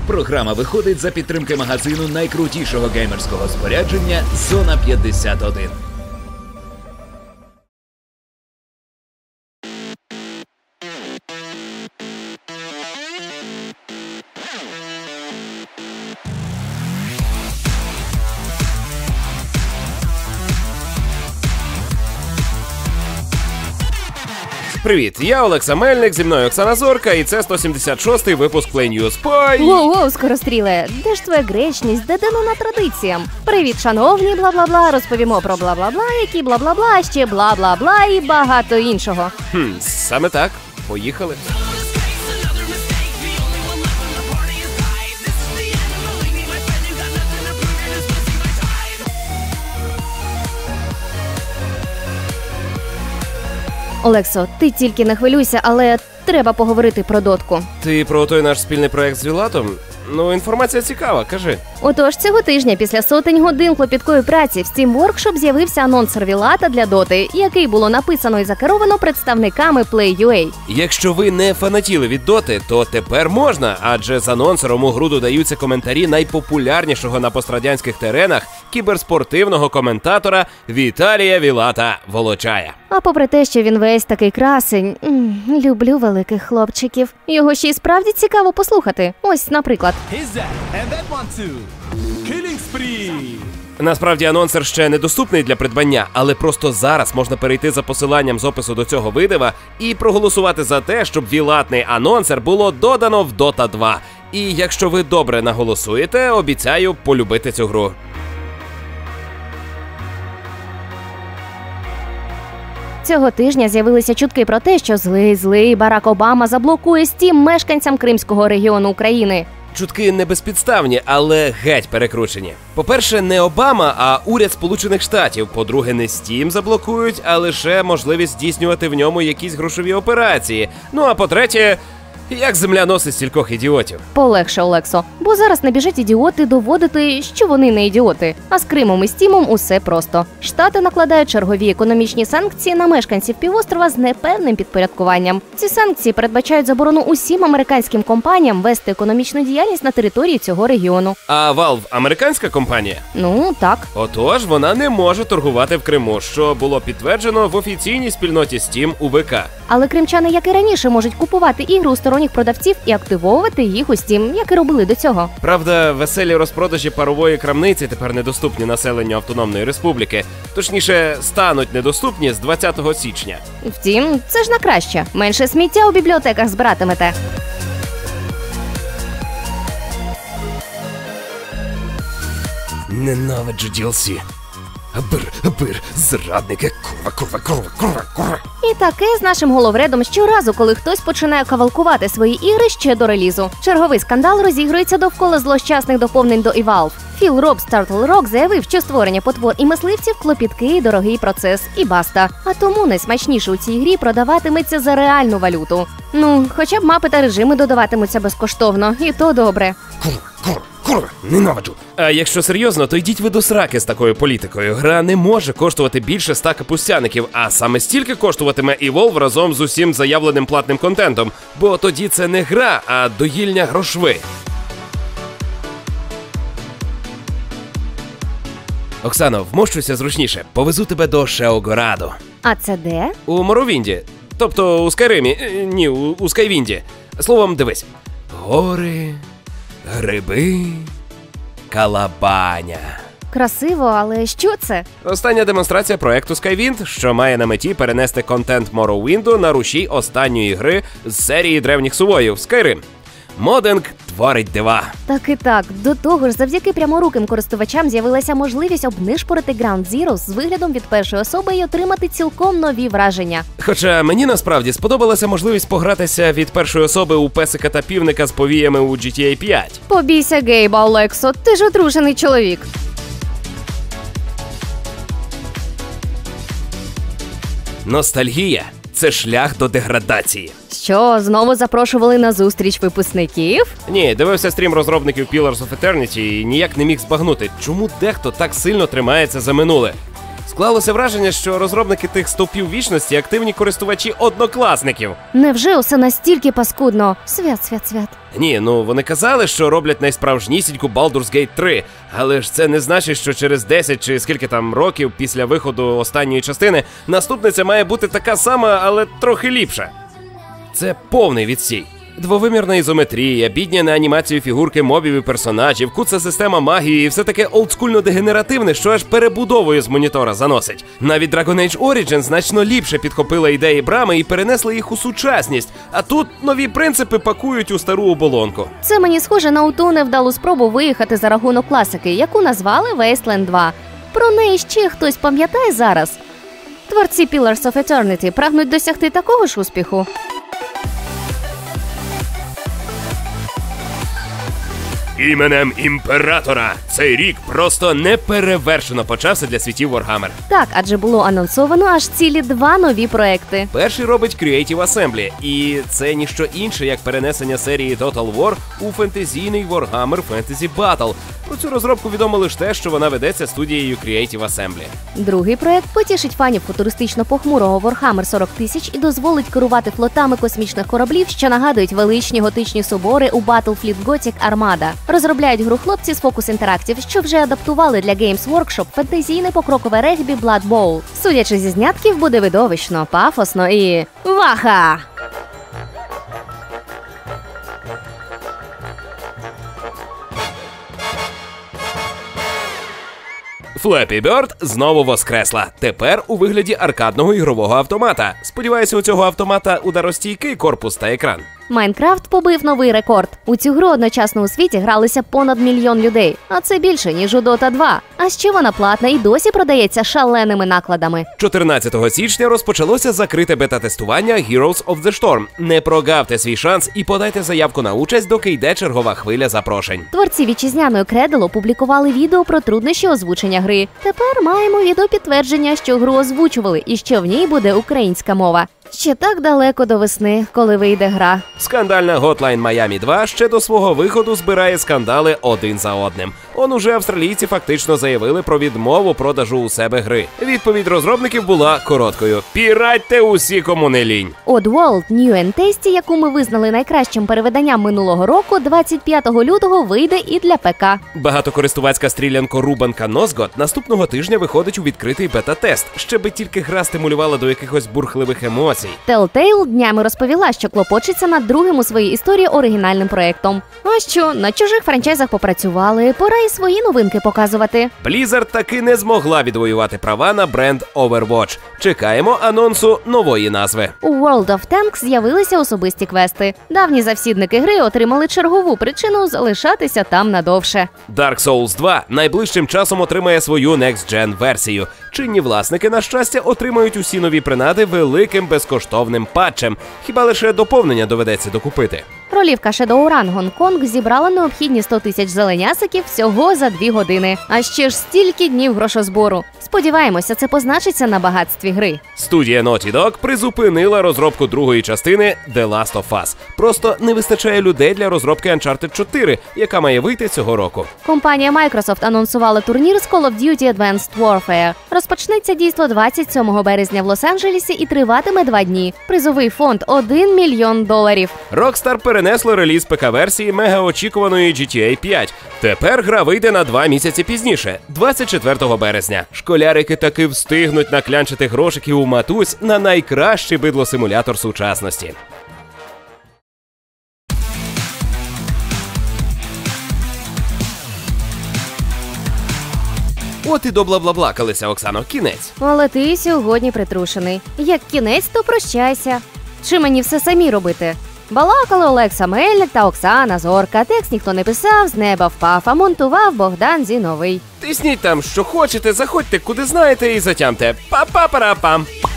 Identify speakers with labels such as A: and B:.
A: Програма виходить за підтримки магазину найкрутішого геймерського спорядження «Зона 51».
B: Привіт, я Олекса Мельник, зі мною Оксана Зорка, і це 176-й випуск Play News.
C: Воу-воу, скоростріле, де ж твоя гречність, де дано традиціям? Привіт, шановні, бла-бла-бла, розповімо про бла-бла-бла, які бла-бла-бла, ще бла-бла-бла і багато іншого.
B: Саме так, поїхали.
C: Олексо, ти тільки не хвилюйся, але треба поговорити про дотку.
B: Ти про той наш спільний проект з Вілатом? Ну, інформація цікава, кажи.
C: Отож, цього тижня після сотень годин клопіткої праці в Steam Workshop з'явився анонсер Вілата для доти, який було написано і закеровано представниками Play.ua.
B: Якщо ви не фанатіли від доти, то тепер можна, адже з анонсером у гру додаються коментарі найпопулярнішого на пострадянських теренах кіберспортивного коментатора Віталія Вілата Волочая.
C: А попри те, що він весь такий красень, люблю великих хлопчиків. Його ще й справді цікаво послухати. Ось, наприклад.
B: Насправді анонсер ще недоступний для придбання, але просто зараз можна перейти за посиланням з опису до цього видива і проголосувати за те, щоб вілатний анонсер було додано в Dota 2. І якщо ви добре наголосуєте, обіцяю полюбити цю гру.
C: Цього тижня з'явилися чутки про те, що злий Барак Обама заблокує Steam мешканцям Кримського регіону України.
B: Чутки не безпідставні, але геть перекручені. По-перше, не Обама, а уряд Сполучених Штатів. По-друге, не Steam заблокують, а лише можливість здійснювати в ньому якісь грошові операції. Ну а по-третє, як земля носить стількох ідіотів.
C: Полегше, Олексо, бо зараз не біжать ідіоти доводити, що вони не ідіоти. А з Кримом і Стімом усе просто. Штати накладають чергові економічні санкції на мешканців півострова з непевним підпорядкуванням. Ці санкції передбачають заборону усім американським компаніям вести економічну діяльність на території цього регіону.
B: А Valve – американська компанія?
C: Ну, так.
B: Отож, вона не може торгувати в Криму, що було підтверджено в офіційній спільноті Steam у ВК. Але
C: кримчани, як і раніше, можуть купувати ігри у сторонніх продавців і активовувати їх у Steam, як і робили до цього.
B: Правда, веселі розпродажі парової крамниці тепер недоступні населенню Автономної Республіки. Точніше, стануть недоступні з 20 січня.
C: Втім, це ж на краще. Менше сміття у бібліотеках збиратимете.
B: Ненавиджу DLC. Абир, зрадники, курва.
C: І таке з нашим головредом щоразу, коли хтось починає кавалкувати свої ігри ще до релізу. Черговий скандал розігрується довкола злощасних доповнень до Evolve. Філ Робс з Turtle Rock заявив, що створення потвор і мисливців – клопіткий і дорогий процес, і баста. А тому найсмачніше у цій грі продаватиметься за реальну валюту. Ну, хоча б мапи та режими додаватимуться безкоштовно, і то добре.
B: Курва, ненавиджу. А якщо серйозно, то йдіть ви до сраки з такою політикою. Гра не може коштувати більше 100 капустяників, а саме стільки коштуватиме Evolve разом з усім заявленим платним контентом. Бо тоді це не гра, а доїльня грошви. Оксано, вмощуйся зручніше. Повезу тебе до Шеогораду.
C: А це де?
B: У Моровінді. Тобто у Скайримі. Ні, у Скайвінді. Словом, дивись. Гори, гриби, калабаня.
C: Красиво, але що це?
B: Остання демонстрація проекту Skywind, що має на меті перенести контент Morrowindu на рушій останньої гри з серії древніх сувоїв Skyrim. Модинг творить дива.
C: Так і так. До того ж, завдяки пряморуким користувачам з'явилася можливість обнишпорити Ground Zero з виглядом від першої особи і отримати цілком нові враження.
B: Хоча мені насправді сподобалася можливість погратися від першої особи у песика та півника з повіями у GTA 5.
C: Побійся Гейба, Олексо, ти ж одружений чоловік.
B: Ностальгія – це шлях до деградації.
C: Що, знову запрошували на зустріч випускників?
B: Ні, дивився стрім розробників Pillars of Eternity і ніяк не міг збагнути, чому дехто так сильно тримається за минуле. Склалося враження, що розробники тих стовпів вічності активні користувачі однокласників.
C: Невже усе настільки паскудно? Свят.
B: Ні, ну вони казали, що роблять найсправжнісіньку Baldur's Gate 3, але ж це не значить, що через 10 чи скільки там років після виходу останньої частини наступниця має бути така сама, але трохи ліпша. Це повний відстій. Двовимірна ізометрія, бідня на анімацію фігурки мобів і персонажів, куца система магії і все таке олдскульно-дегенеративне, що аж перебудовою з монітора заносить. Навіть Dragon Age Origins значно ліпше підхопила ідеї Брами і перенесла їх у сучасність, а тут нові принципи пакують у стару оболонку.
C: Це мені схоже на ту невдалу спробу виїхати за рахунок класики, яку назвали Wasteland 2. Про неї ще хтось пам'ятає зараз? Творці Pillars of Eternity прагнуть досягти такого ж успіху.
B: Іменем імператора цей рік просто неперевершено почався для світів Warhammer.
C: Так, адже було анонсовано аж цілі 2 нові проекти.
B: Перший робить Creative Assembly, і це ніщо інше, як перенесення серії Total War у фентезійний Warhammer Fantasy Battle. Про цю розробку відомо лише те, що вона ведеться студією Creative Assembly.
C: Другий проект потішить фанів футуристично-похмурого Warhammer 40 000 і дозволить керувати флотами космічних кораблів, що нагадують величні готичні собори у Battlefleet Gothic Armada. Розробляють гру хлопці з Focus Interactive, що вже адаптували для Games Workshop фентезійне покрокове регбі Blood Bowl. Судячи зі знятків, буде видовищно, пафосно і... ваха!
B: Flappy Bird знову воскресла. Тепер у вигляді аркадного ігрового автомата. Сподіваюся, у цього автомата ударостійкий корпус та екран.
C: Майнкрафт побив новий рекорд. У цю гру одночасно у світі гралися понад 1 мільйон людей. А це більше, ніж у Dota 2. А ще вона платна і досі продається шаленими накладами.
B: 14 січня розпочалося закрите бета-тестування Heroes of the Storm. Не прогавте свій шанс і подайте заявку на участь, доки йде чергова хвиля запрошень.
C: Творці вітчизняної Cradle опублікували відео про труднощі озвучення гри. Тепер маємо відеопідтвердження, що гру озвучували і що в ній буде українська мова. Ще так далеко до весни, коли вийде гра.
B: Скандальна Hotline Miami 2 ще до свого виходу збирає скандали один за одним. Уже австралійці фактично заявили про відмову продажу у себе гри. Відповідь розробників була короткою: піратьте усі, кому не лінь.
C: Oddworld New and Tasty, яку ми визнали найкращим перевиданням минулого року, 25 лютого вийде і для ПК.
B: Багатокористувацька стрілянко-рубанка Нозгод наступного тижня виходить у відкритий бета-тест, щоби тільки гра стимулювала до якихось бурхливих емоцій.
C: Telltale днями розповіла, що клопочеться над другим у своїй історії оригінальним проєктом. А що, на чужих франчайзах попрацювали, пора і свої новинки показувати.
B: Blizzard таки не змогла відвоювати права на бренд Overwatch. Чекаємо анонсу нової назви.
C: У World of Tanks з'явилися особисті квести. Давні завсідники гри отримали чергову причину залишатися там надовше.
B: Dark Souls 2 найближчим часом отримає свою Next-Gen версію. Чинні власники, на щастя, отримають усі нові принади великим безкоштовним патчем. Хіба лише доповнення доведеться докупити.
C: Ролівка Shadowrun Гонконг зібрала необхідні 100 тисяч зеленясиків всього за 2 години. А ще ж стільки днів грошозбору. Сподіваємося, це позначиться на багатстві гри.
B: Студія Naughty Dog призупинила розробку другої частини The Last of Us. Просто не вистачає людей для розробки Uncharted 4, яка має вийти цього року.
C: Компанія Microsoft анонсувала турнір з Call of Duty Advanced Warfare. Розпочнеться дійство 27 березня в Лос-Анджелесі і триватиме 2 дні. Призовий фонд – $1 мільйон.
B: Rockstar перенесло реліз ПК-версії мегаочікуваної GTA 5. Тепер гра вийде на 2 місяці пізніше, 24 березня. Школярики таки встигнуть наклянчити грошиків у матусь на найкращий бидло-симулятор сучасності. От і добла-бла-блакалися, Оксано, кінець.
C: Але ти сьогодні притрушений. Як кінець, то прощайся. Чи мені все самі робити? Балакали Олекса Мельник та Оксана Зорка. Текст ніхто не писав, з неба впав, а монтував Богдан Зіновий.
B: Тисніть там, що хочете, заходьте куди знаєте і затямте. Па-па-пара-пам.